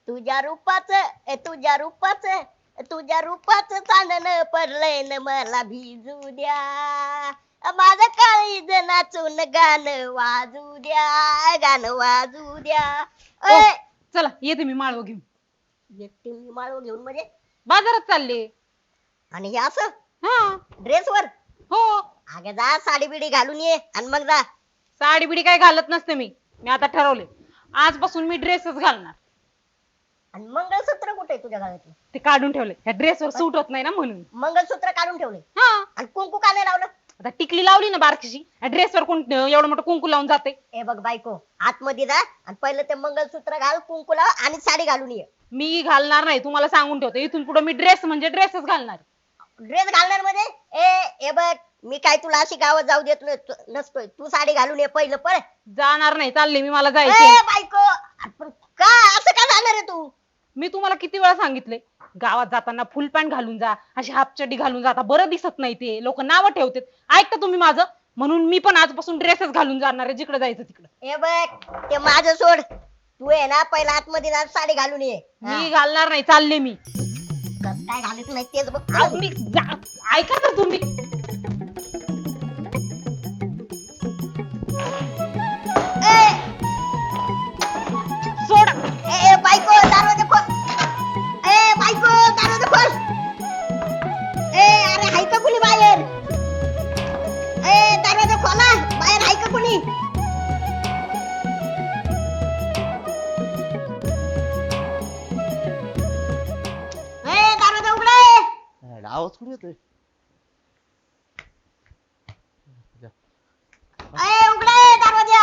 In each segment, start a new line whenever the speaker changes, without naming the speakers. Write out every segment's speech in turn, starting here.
तुझ्या रूपाचं चांदणं पडलंय न मला भिजू द्या. माझं काळीज नाचून गाणं वाजू द्या.
ओ,
ए,
चला येते मी माळव घेऊन.
एकटी मी माळव घेऊन म्हणजे
बाजारात चालले.
आणि हे असं
हा.
ड्रेसवर?
हो.
अगं जा साडी बिडी घालून ये आणि मग जा.
साडी बिडी काय घालत नसते मी आता ठरवले आजपासून मी ड्रेसच घालणार.
आणि मंगळसूत्र कुठे आहे तुझ्या गळ्यातलं?
ते काढून ठेवले, ह्या ड्रेसवर सूट होत नाही ना म्हणून.
मंगळसूत्र काढून ठेवले
हा.
आणि कुंकू का नाही लावलं?
आता टिकली लावली ना बारकीशी, ड्रेसवर कोण एवढं मोठं कुंकू लावून जाते.
ए बघ बायको, आतमध्ये जा आणि पहिलं ते मंगळसूत्र घाल, कुंकू लाव आणि साडी घालून ये.
मी घालणार नाही, तुम्हाला सांगून ठेवते. इथून पुढे मी ड्रेस म्हणजे ड्रेसच घालणार.
ड्रेस घालणार मध्ये ए बघ, मी काय तुला अशी गावात जाऊ देत नसतोय. तू साडी घालून ये पहिलं. पळ.
जाणार नाही, चालले मी, मला
ए
जायचे.
बायको, आपण का असं का जाणार आहे तू?
मी तुम्हाला किती वेळा सांगितले, गावात जाताना फुल पॅन्ट घालून जा, अशी हाफ चड्डी घालून जाता बरं दिसत नाही, ते लोक नावं ठेवतात. ऐकता तुम्ही माझं? म्हणून मी पण आजपासून ड्रेसच घालून जाणार आहे, जिकडे जायचं तिकडे.
ए बघ, ते माझं सोड. तू आहे ना पहिला आतमध्ये जा, साडी घालून ये.
मी घालणार नाही, चालले मी.
कसं काय घालत नाही तेच बघ.
अहो, ऐका तर तुम्ही.
ए,
सोडा.
ए बायको, दरवाजा खोल. ए बायको, दरवाजा खोल. ए अरे हाय का कुणी बाहेर? ए दरवाजा खोला, बाहेर हाय का कुणी? ए दरवाजा उघडा.
आवाज कुठे येतोय?
ए उघडा दरवाजा.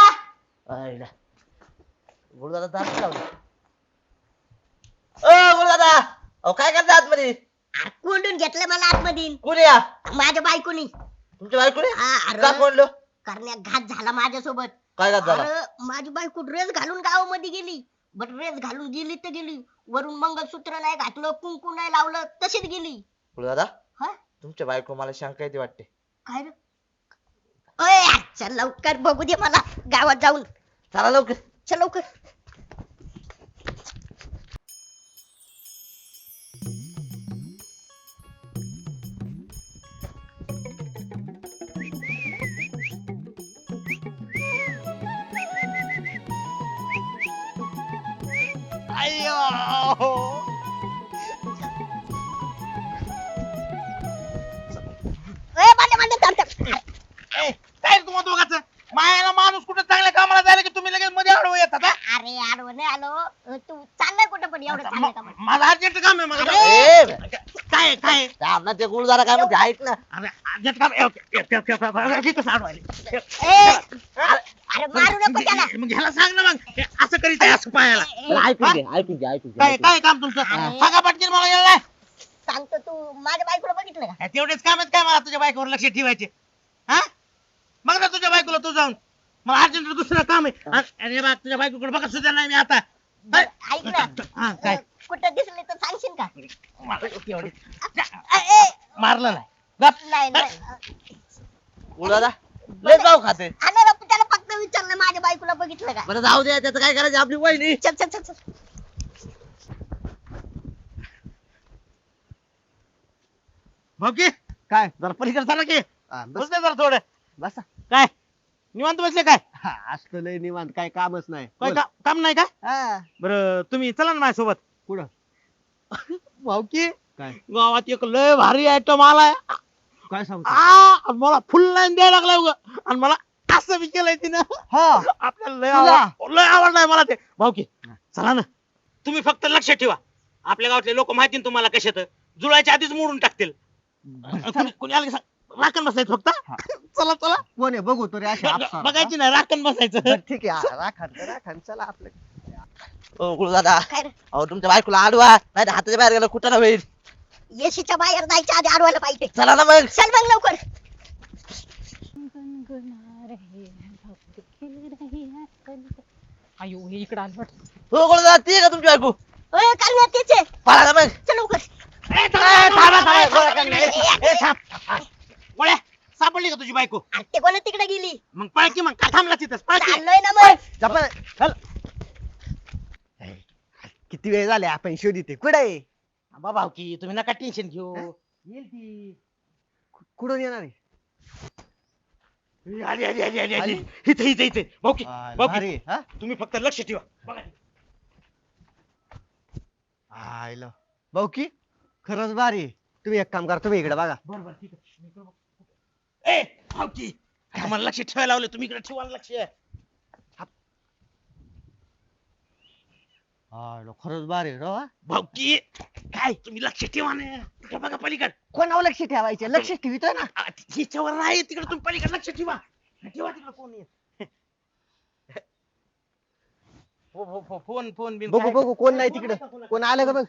गुरुदादा दार लावला. गुरुदादा, अहो काय करता आतमध्ये?
अरे कोंडून घेतलं मला आतमध्ये.
कोणी या?
माझ्या बायकोनी.
तुमच्या बायकोने?
अरे
का कोणलो?
करण्या घात झाला माझ्यासोबत.
काय घात झाला?
अरे माझी बायको ड्रेस घालून गावामध्ये गेली. बट ड्रेस घालून गेली तर गेली, वरून मंगळसूत्र नाही घातलं, कुंकू नाही लावलं, तशीच गेली.
गुरुदादा,
हा
तुमच्या बायको मला शंका येते वाटते.
काय रे? ओय चल लवकर बघू दे मला गावात जाऊन.
चला लवकर.
चल लवकर. ए बांधे बांधे थांब थांब.
काय तुम्हाला दोघांचं मायाला माणूस कुठे चांगल्या कामाला जायला की तुम्ही लगेच मध्ये आडवं येतात हा?
अरे आडवं नाही आलो. तू चाललाय कुठं पण एवढं चाललंय का?
माझं अर्जंट काम आहे मला
ए,
काय काय
थांब ना, ते गुरुदादा काय म्हणते ऐक ना.
अरे अर्जंट काम आहे. कसं अडवायला
अरे मारू नको त्याला.
मग ह्याला सांग ना मग हे असं करीत आहे असं पायाला
ऐकून घे.
काय काय काम तुमचं सांगा पटकन मला यायला
सांगतो. तू माझ्या बायकोला बघितलं का?
तेवढेच काम आहेत काय मला तुझ्या बायकोवर लक्ष ठेवायचे हा बघ ना तुझ्या बायकोला तू जाऊन मला अर्जंट दुसरं काम आहे अरे बा तुझ्या बायकोकडे बघत सुद्धा नाही मी आता
बरं, ऐक ना.
हा काय
कुठं दिसले तर सांगशील का?
एवढे
ए,
मारलं नाही गप.
नाही नाही.
गुरुदादा लय जाऊ खाते.
अरे त्याला फक्त विचारलं माझ्या बायकोला बघितलं का?
बरं जाऊ दे, त्याचं काय करायचं, आपली वहिनी.
चल चल चल चल.
भाऊकी
काय
जरा पलीकडे चाला की
बस
बसले जरा थोडं
बसा.
काय निवांत बसले काय
असतं लय निवांत, काय कामच नाही.
काय
बोल.
काम नाही का
हा,
बरं तुम्ही चला ना माझ्यासोबत
कुठं?
भाऊकी
काय
गावात एक लय भारी आयटम आलाय
काय सांगतो?
आणि मला फुल लाईन द्यायला लागलाय उगा. आणि मला असं बी केलंय तिनं
हा
आपल्याला
तुला?
लय आवडलाय मला ते भाऊकी चला ना तुम्ही फक्त लक्ष ठेवा आपल्या गावातले लोक माहिती ना तुम्हाला कशात जुळायच्या आधीच मोडून टाकतील कोणी आलं की सांग, राखण बसायचं फक्त चला चला
कोण आहे बघू तरी अशा अप्सरा.
बघायची नाही राखण बसायचं
बरं, ठीक आहे राखण चला आपलं.
ओ गुरुदादा,
काय रे?
अहो तुमच्या बायकोला आडवा नाही, हाताच्या बाहेर गेला कुठं ना होईल.
येशीच्या बाहेर जायच्या आधी अडवायला पाहिजे.
चला ना मग.
चल मग लवकर.
अयो हे इकडे आलं वाटतं.
हो गुरुदादा, ती आहे का तुमची बायको?
ओय करण्या तेच आहे.
पळा ना मग.
चल लवकर.
गोळ्या सापडली का तुझी बायको
अरे ते कोणा तिकडे गेली?
मग पळ की मग का थांबला तिथंच पळ की
चाललोय ना मग.
चपळ, चल. किती वेळ झाले आपण शोधिते कुठे
भाऊकी तुम्ही नका टेन्शन घेऊ. येईल ती.
कुठून येणार आहे?
आली आली आली आली आली. इथे इथे इथे भाऊकी
भारी,
भाऊकी
हा?
तुम्ही फक्त लक्ष ठेवा बघा.
आयला भाऊ की खरंच भारी आहे. तुम्ही एक काम करा, तुम्ही इकडे बघा.
बरोबर ठीक आहे. ए भाऊकी तुम्हाला लक्ष ठेवायला लावलं, तुम्ही इकडे ठेवा लक्ष.
आयला खरंच भारी आहे राव, हा?
भाऊकी काय तुम्ही लक्ष ठेवा ना. तिकडे बघा पलीकड.
कोणावर लक्ष ठेवायचे? लक्ष ठेवितोय ना.
हिच्यावर नाही, तिकडे तुम्ही पलीकडे लक्ष ठेवा. ठेवा तिकडे कोण आहे. फोन फोन बिन
बघू
काय-
बघू कोण नाही
फोन
तिकडे.
का कोणाचा?
कोण आलं का बघ.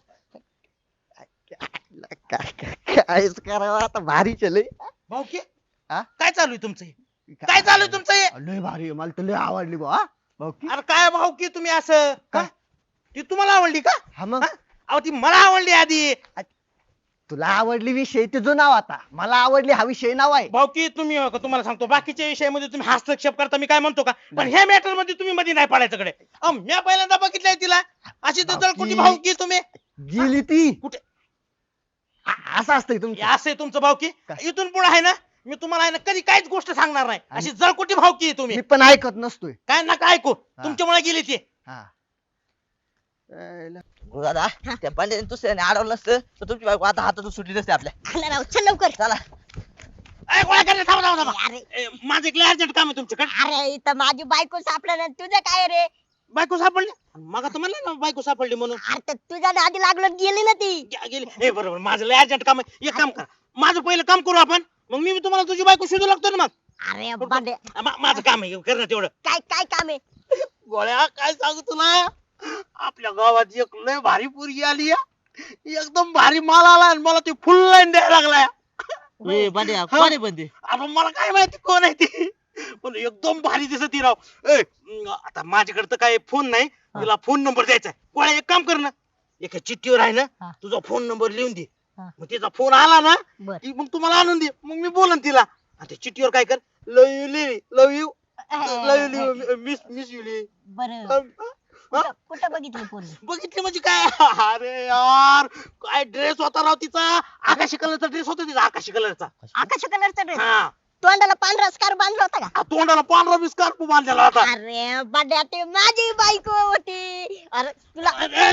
कायच करावं आता, भारी चल.
भाऊकी
हा?
काय चालू आहे तुमचं हे? काय चालू आहे तुमचं हे?
लय भारी आहे, मला तर लय आवडली बा भाऊ की.
अरे काय भाऊकी तुम्ही असं
काय?
हा? ती तुम्हाला आवडली का?
हा मग
हा? अहो ती मला आवडली आधी.
तुला आवडली विषय तुझं नाव, आता मला आवडली हा विषय नाव आहे.
भाऊकी तुम्ही तुम्हाला सांगतो बाकीच्या विषयामध्ये तुम्ही हस्तक्षेप करता मी काय म्हणतो का, पण ह्या मॅटर मध्ये तुम्ही मध्ये नाही पडायचं कडे. मी पहिल्यांदा बघितलंय तिला अशी तर कुठे भाऊकी तुम्ही
गेली ती
कुठे
असं असतंय
हे
तुमचं.
असं आहे तुमचं भाऊकी.
काय?
इथून पुढे आहे ना मी तुम्हाला आहे ना कधी काहीच गोष्ट सांगणार नाही. अशी जळकुटी भाऊकी आहे तुम्ही.
मी पण ऐकत नसतोय.
काय नका ऐकू, तुमच्यामुळे गेली ती.
हा आयला.
दादा त्या पांड्याने दुसऱ्याने अडवलं नसतं तर तुमची बायको आता हातातून सुटली नसते आपल्या.
आला राव, चल लवकर.
चला.
ए, गोळ्या करणे, थांबा थांबा थांबा.
अरे
ए, माझं एक अर्जंट काम आहे तुमच्याकडे.
अरे इथं माझी बायको सापडलं ना, तुझं काय रे?
बायको सापडली मग तर म्हणलं ना बायको सापडली म्हणून.
अरे तर तुझ्या नादी लागलं गेली ना ती.
गेली. हे बरोबर माझं लय अर्जंट काम आहे. एक काम करा, माझं पहिलं काम करू आपण, मग मी तुम्हाला तुझी बायको शोधू लागतो ना. मग
अरे बांडे,
माझं काम आहे करणं तेवढं.
काय काय काम आहे?
गोळ्या काय सांगू तुला, आपल्या गावात एक लय भारी पोरगी आली आहे. एकदम भारी माल आला आणि मला ती फुल लाईन द्यायला लागलाय.
ए पांड्या कोण आहे पण ते?
आता मला काय माहिती कोण आहे ती, पण एकदम भारी दिसत ती राव. ए, आता माझ्याकडे तर काय फोन नाही, तिला फोन नंबर द्यायचा आहे. गोळ्या एक काम कर ना, एका चिठ्ठीवर आहे ना
हा.
तुझा फोन नंबर लिहून दे.
हा.
मग तिचा फोन आला ना
बर.
की मग तुम्हाला आणून दे, मग मी बोलन तिला. आणि त्या चिठ्ठीवर काय कर, love you live, love you miss miss you
बर कुठं बघितली पोरगी?
बघितली म्हणजे काय. अरे यार काय ड्रेस होता राव तिचा, आकाशी कलरचा ड्रेस होता तिचा, आकाशी कलरचा.
आकाश कलरचा ड्रेस,
हा,
तोंडाला पांढरा स्कार्फ बांधला होता का?
तोंडाला पांढरा बिस्कार्फ बांधलेला होता.
अरे बांड्या, ते माझी बायको होती. अरे तुला
ए,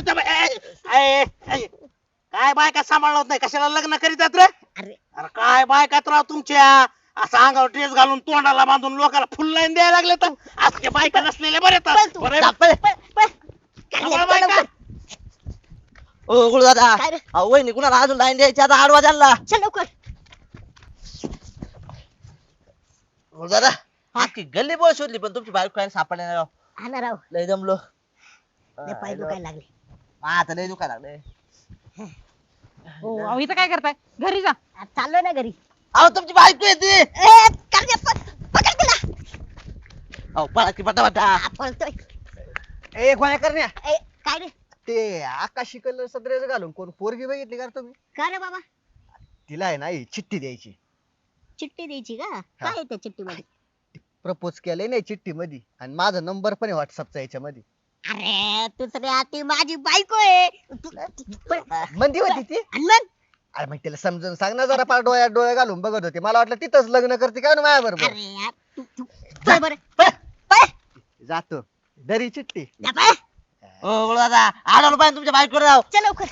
काय बायका सांभाळलं होत नाही, कशाला लग्न करीतात रे.
अरे
अरे काय बायकात राव तुमच्या, असं अंगावर ड्रेस घालून तोंडाला बांधून लोकांना फुल लाईन द्यायला लागले तर आजच्या बायका नसलेल्या बरे
पळ तू.
बरं
पळ, पळ.
सांभाळ बायका.
ओ गुरु दादा
काय रे?
अहो वहिनी कुणाला अजून लाईन द्यायची आता आडवा त्यांना.
चल लवकर.
गुरु दादा अख्खी गल्ली बोळ शोधली पण तुमची बायको काय सापडली नाही राव.
हा ना राव,
लय जमलो.
लय पाय दुखायला लागले.
आता लय दुखायला लागले.
हो अहो, इथं काय करताय, घरी जा.
चाललो ना घरी.
अहो तुमची बायको येते.
ए करण्या, पकड तिला.
अहो पळा की पटापटा.
हा, पळतोय.
ए गोळ्या करण्या,
ए काय रे?
ते आकाशी कलरचा ड्रेस घालून कोण पोरगी बघितली का रे तुम्ही?
काय रे बाबा,
तिला आहे ना ही चिठ्ठी द्यायची.
चिठ्ठी द्यायची का? काय आहे त्या चिठ्ठी मध्ये?
प्रपोज केलंय नाही चिठ्ठी मध्ये, आणि माझा नंबर पण आहे व्हॉट्सअपचा याच्यामध्ये.
अरे दुसऱ्या, ती माझी बायको आहे.
मंदी होती ती.
आणि मग
अरे मग तिला समजून सांग ना जरा, पार डोळ्यात डोळे घालून बघत होते, मला वाटलं तिथंच लग्न करते काय ना माझ्या बरोबर.
अरे यार, तू पळ बरं, पळ.
जातो दरी चिठ्ठी.
जा पळ.
ओ गुरु दादा आडवलं पाहिजे तुमच्या बायको राव.
चल लवकर.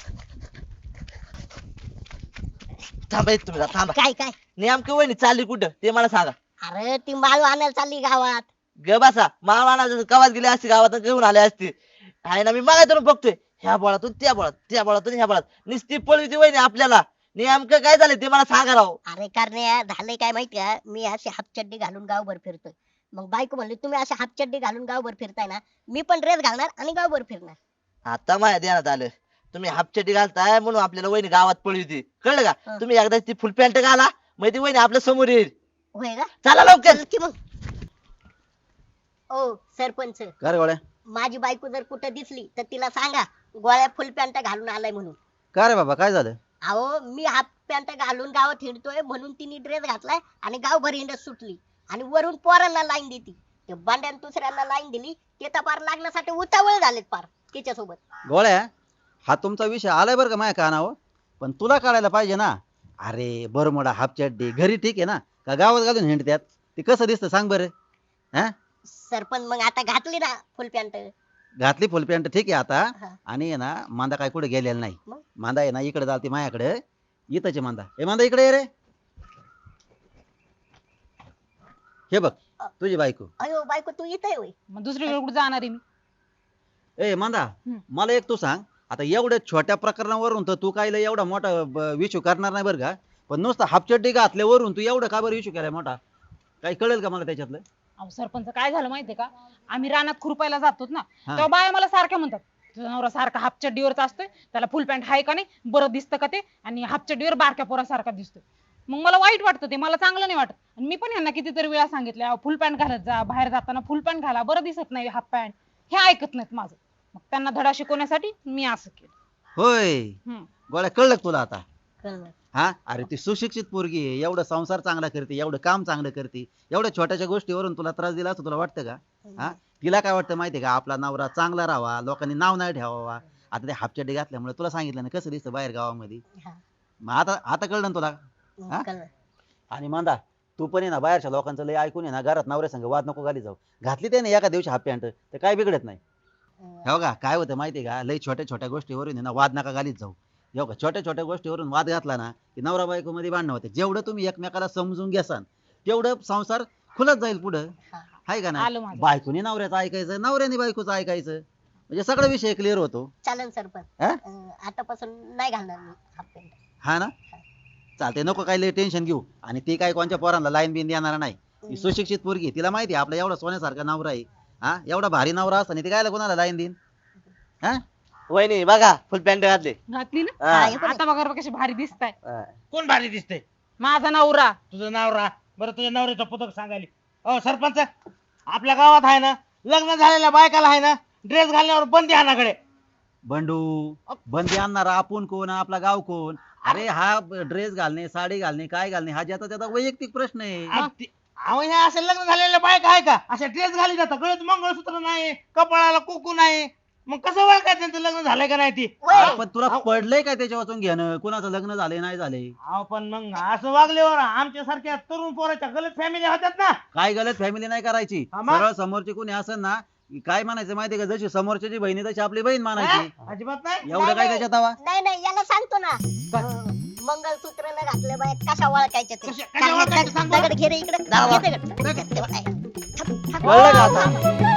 थांबा इथं तुम्ही थांबा.
काय काय?
नेमकी वहिनी चालली कुठं ते मला सांगा.
अरे ती माळू आणायला चालली गावात.
ग बसा मामाना गावात गेली असती, गावात घेऊन आले असते. आहे ना मी मागायचं बघतोय ह्या बोळातून त्या बोळात, त्या बोळातून ह्या बोळात नुसती पळवी वहिनी आपल्याला. नेमकं काय झालं ते मला सांगा राव.
अरे करण्या, झालंय काय माहिती का, मी अशी हाफचड्डी घालून गावभर फिरतोय. मग बायको म्हणली तुम्ही अशी हाफचड्डी घालून गावभर फिरताय ना, मी पण ड्रेस घालणार आणि गावभर फिरणार.
आता माझ्या ध्यानात आलं तुम्ही हापचटी घालताय म्हणून आपल्याला वहिनी गावात पळली कळलं का.
हा.
तुम्ही एकदा ती फुल पॅन्ट घाला मग ती वहिनी आपल्या समोर येईल.
होय का?
चला लवकर.
चल की मग. ओ सरपंच,
काय गोळ्या
माझी बायको जर कुठं दिसली तर तिला सांगा गोळ्या फुल पॅन्ट घालून आलाय म्हणून.
काय रे बाबा काय झालं.
अहो मी हाफ पॅन्ट घालून गावात हिंडतोय म्हणून तिने ड्रेस घातलाय आणि गावभर हिंडत सुटली आणि वरून पोरांना लाईन देती. ते बांड्यान दुसऱ्यांना लाईन दिली, ते तर पार लागण्यासाठी उतावळ झालेत पार तिच्यासोबत.
गोळ्या हा तुमचा विषय आलाय बरं का माझ्या कानावर, पण तुला कळायला पाहिजे ना. अरे बरमुडा हाफ चड्डी घरी ठीक आहे ना, का गावात घालून हिंडत्यात? ते कसं दिसतं सांग बरं. हा
सरपंच मग आता घातली ना फुल पॅन्ट.
घातली फुल पॅन्ट ठीक आहे आता.
हा.
आणि आहे ना मांदा काय कुठे गेलेला नाही.
मग?
मांदा आहे ना इकडे जाते माझ्याकडे. इथंच आहे मांदा. ए मांदा इकडे ये रे. हे बघ तुझी बायको.
अयो बायको तू इथे होय.
मग दुसरीकडे कुठे जाणार आहे मी?
ए मांदा मला एक तू सांग, आता एवढ्या छोट्या प्रकरणावरून तर तू काय लय एवढा मोठा इश्यू करणार नाही बरं का, पण नुसतं हाफचड्डी घातल्यावरून तू एवढं का बरं इश्यू केलाय मोठा? काही कळेल का मला त्याच्यातलं?
अहो सरपंच काय झालं माहितीये का, आम्ही रानात खुरपायला जातो ना,
हा.
तेव्हा बाया मला सारख्या म्हणतात तुझा नवरा सारखा हाफ चड्डीवरच असतोय, त्याला फुल पॅन्ट आहे का नाही, बरं दिसतं का ते, आणि हाफ चड्डीवर बारक्या पोरासारखा दिसतोय. मग मला वाईट वाटतं, ते मला चांगलं नाही वाटत. आणि मी पण यांना कितीतरी वेळा सांगितलं फुल पॅन्ट घालत जा, बाहेर जाताना फुल पॅन्ट घाला, बरं दिसत नाही हाफ पॅन्ट. हे ऐकत नाहीत माझं. मग त्यांना धडा शिकवण्यासाठी मी असं केलं.
होय
हम्म.
गोळ्या कळलं का तुला आता?
कळलं.
हा अरे ती सुशिक्षित पोरगी आहे, एवढं संसार चांगला करते, एवढं काम चांगलं करते, एवढ्या छोट्याशा गोष्टीवरून तुला त्रास दिला असं तुला वाटतं का? हा तिला काय वाटतं माहितीये का, आपला नवरा चांगला राहावा, लोकांनी नाव नाही ठेवावा. आता ते हाफचड्डी घातल्यामुळे तुला सांगितलं ना कसं दिसतं बाहेर गावामध्ये.
हा.
मग आता कळलं ना तुला? हा?
कळलं.
आणि मांदा तू पण आहे ना बाहेरच्या लोकांचं लय ऐकून आहे ना घरात नवऱ्या संग वाद नको घाली जाऊ. घातली त्याने एका दिवशी हाफ पॅन्ट तर काय बिघडत नाही. हे बघा काय होतं माहितीये का, लय छोट्या छोट्या गोष्टीवरून आहे ना वाद नका घालीत जाऊ. हे बघा छोट्या छोट्या गोष्टीवरून वाद घातला ना की नवरा बायको मध्ये भांडणं होते. जेवढं तुम्ही एकमेकाला समजून घ्यासान तेवढं संसार खुलत जाईल पुढं. हाय का
आलं
ना?
माझं.
बायकोनी नवऱ्याचं ऐकायचं, नवऱ्याने बायकोचं ऐकायचं, म्हणजे सगळा विषय क्लिअर होतो.
चालेल सरपंच.
हा?
आतापासून नाही घालणार मी हाफ पॅन्ट.
हा ना चालते, नको काही लय टेन्शन घेऊ. आणि ती काय कोणत्या पोरांना लाईन बिन देणार नाही. ती सुशिक्षित पोरगी आहे. तिला माहिती आहे आपला एवढा सोन्यासारखा नवरा आहे. हा एवढा भारी नवरा असताना ती काय कोणाला लाईन देईन? हा
वहिनी बघा फुल पॅन्ट घातली.
घातली ना?
हा.
आता बघा बघा कशी भारी दिसताय.
कोण भारी दिसतंय?
माझा नवरा.
तुझं नाव रा बरं, तुझ्या नवऱ्याचं पुस्तक सांगायला. अहो सरपंच, आपल्या गावात आहे ना लग्न झालेल्या बायकाला आहे ना ड्रेस घालण्यावर बंदी आणाकडे.
बंडू बंदी आणणारा आपण कोण, आपला गाव कोण? अरे हा ड्रेस घालणे, साडी घालणे, काय घालणे हा ज्याचा त्याचा वैयक्तिक प्रश्न आहे.
अहो ह्या असे लग्न झालेल्या बायका आहे का अशा ड्रेस घाली जातात, गळ्यात मंगळसूत्र नाही, कपाळाला कुकू नाही, मग कसं ओळखायचं त्यांचं लग्न झालंय का नाही ती?
पण तुला पडलंय काय त्याच्या वाचून घेणं, कुणाचं लग्न झालंय नाही झालंय?
अहो पण मग असं वागल्यावर आमच्या सारख्या तरुण पोराच्या गलत फॅमिली होत्यात ना.
काय गलत फॅमिली नाही करायची.
हा मग?
सरळ समोरची कोणी असेल ना काय म्हणायचं माहितीये का, जशी समोरच्याची बहिणी तशी आपली बहीण मानायची.
हा? अजिबात नाही.
एवढं काय त्याच्यात हवा?
नाही नाही याला सांगतो ना. मंगळसूत्र न घातले बाय कशा ओळखायच्या ते.
कशा ओळखायच्या सांग बरं.
दगड घे रे इकडे.
दावा.
घे दगड.
कळलं का आता?